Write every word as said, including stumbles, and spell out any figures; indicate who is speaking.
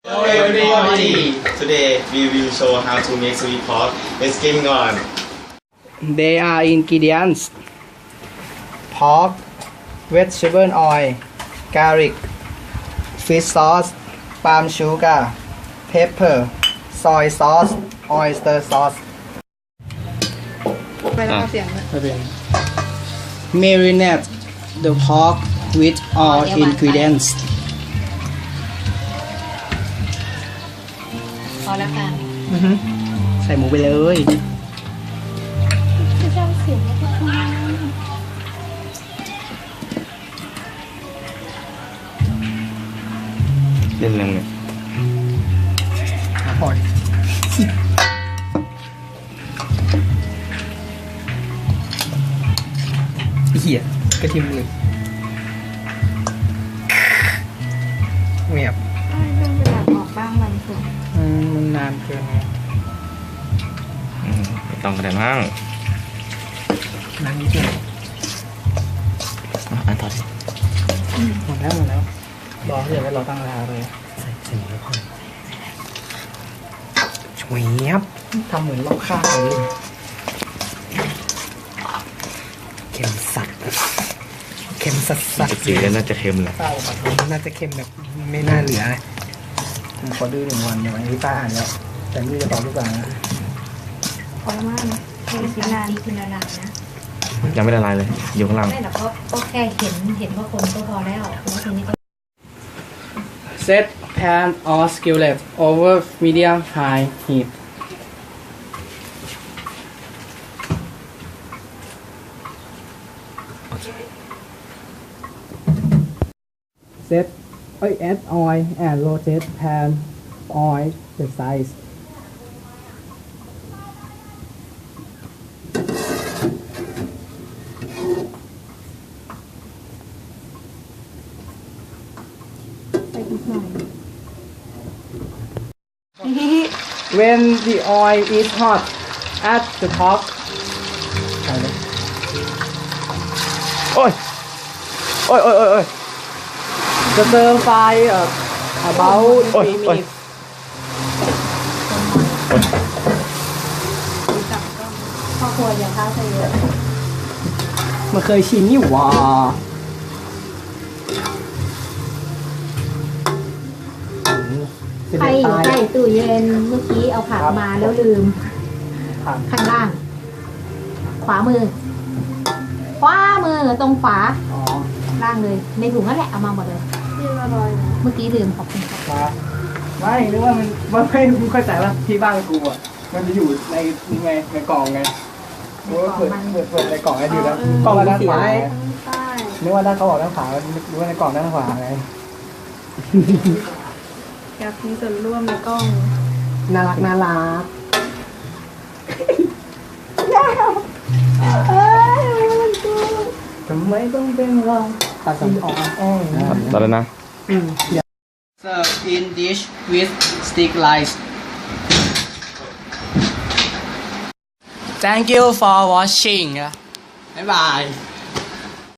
Speaker 1: Hello everybody! Today we will show how to make sweet pork. Let's get on.
Speaker 2: They are ingredients: pork, vegetable oil, garlic, fish sauce, palm sugar, pepper, soy sauce, oyster sauce.
Speaker 3: ไปแล้วเอาเสียงเลย
Speaker 2: ไม่เป็น Marinate the pork with all ingredients.
Speaker 3: พอแล้วค่ะ
Speaker 2: อือฮึใส่หมูไปเลย
Speaker 3: จะจำเสียงแล้วก็ทำ
Speaker 1: เล่นยังไง
Speaker 2: พอดิเหี้ยกระเทียมเลยเงียบ
Speaker 3: เรื่องจะอยากออกบ้างบางส่วน
Speaker 2: อืมมันนานเกินไง
Speaker 1: อืมไม่ต้องกระเด็นมั่ง
Speaker 2: นานนิดเดียว
Speaker 1: อ่ะอ่านต่อสิ
Speaker 2: หมดแล้วหมดแล้วรอเดี๋ยวไว้รอตั้งเวลาเลยใส่ใส่หมูแล้วพอช่วยเงียบทำเหมือนลอกข้าวเลยเค็มสัตว์เค็มสัตว์สัตว์
Speaker 1: สีแล้วน่าจะเค็มแหละ
Speaker 2: เต้าปะทูน่าจะเค็มแบบไม่น่าเหลือผมขอดื้อหนึ่งวันเดี๋ยวพี่ป้าอ่านแล้วแต่นี่จะตอบทุกอย่างนะ
Speaker 3: พอแล้วมั้งเห็นกินนานกินนานนะ
Speaker 1: ยังไม่ละลายเลย อยู่ข้างล่าง
Speaker 4: ไม่หรอกก็ก็แค่เห็นเห็นว่าคนก็พอแล้วแล้วทีนี้ก็
Speaker 2: Set pan or skillet over medium high heat Set add oil and rotate pan oil the size
Speaker 3: ไปอีกหน่อย
Speaker 2: When the oil is hot add the top ใส่เลย
Speaker 1: โอ้ย โอ้ยโอ้ยโอ้ยโอ้ย
Speaker 2: จะเติมไฟเอ่อ about
Speaker 1: โอ้ย
Speaker 2: three
Speaker 1: โอ้ย
Speaker 2: minutes
Speaker 4: พ่อครัวอย่าท้าใส่เยอะ
Speaker 2: มันเคยชินนี่หว่า
Speaker 4: ใครอยู่ใกล้ตู้เย็นเมื่อกี้เอาผักมาแล้วลืม
Speaker 2: ผัก
Speaker 4: ข้างล่าง ขวามือ ขวามือตรงฝา
Speaker 2: อ๋อ
Speaker 4: ล่างเลย ในถุงนั่นแหละเอามาหมดเลย
Speaker 3: ที่ละลอยนะ
Speaker 4: เมื่อกี้ลืมขอบคุณครับ
Speaker 2: มาไม่นึกว่ามันมันไม่รู้เข้าใจว่าที่บ้านกูอ่ะ มันจะอยู่ในไงในกล่องไงรู้ว่าเปิดเปิดเปิดในกล่องไอ้ดูแล้วกล่องด้านขวาไง
Speaker 3: ใต้
Speaker 2: นึกว่าด้านเขาบอกด้านขวานึกว่าในกล่องด้านขวาไง
Speaker 3: อยากมีส่วนร่วมในกล้อง
Speaker 2: น่ารักน่ารัก
Speaker 3: เอ้ยมันกู
Speaker 2: ทำไมต้องเป็นเราตัดสินออกแอ้ง
Speaker 1: ตอนแล้วนะ
Speaker 2: Serve in dish with stick rice Thank you for watching บ๊ายบาย